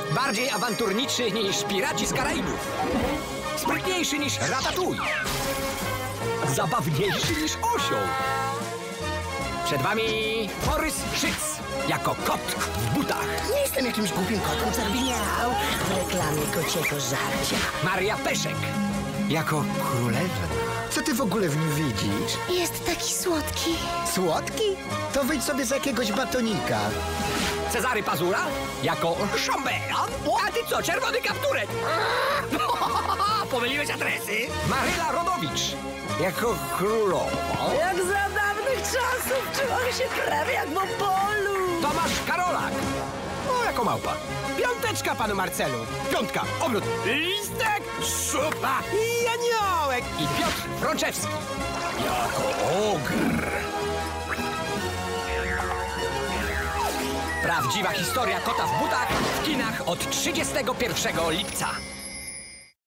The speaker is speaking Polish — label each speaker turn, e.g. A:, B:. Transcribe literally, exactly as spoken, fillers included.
A: Bardziej awanturniczy niż Piraci z Karaibów. Sprytniejszy niż Ratatouille. Zabawniejszy niż osioł. Przed wami Borys Szyc, jako kot w butach.
B: Nie jestem jakimś głupim kotem, co robi miał w reklamie kociego żarcia.
A: Maria Peszek, jako królewna.
C: Co ty w ogóle w nim widzisz?
B: Jest taki słodki.
C: Słodki? To wyjdź sobie z jakiegoś batonika.
A: Cezary Pazura, jako szambelań. A ty co, czerwony kapturek? Pomyliłeś adresy? Maryla Rodowicz, jako królowa.
B: Jak za dawnych czasów czułam się prawie jak w Opolu.
A: Tomasz Karolak, o, jako małpa.
D: Piąteczka, panu Marcelu.
A: Piątka, obrót. Listek, szupa i aniołek. I Piotr Frączewski, jako ogr. Prawdziwa historia kota w butach w kinach od trzydziestego pierwszego lipca.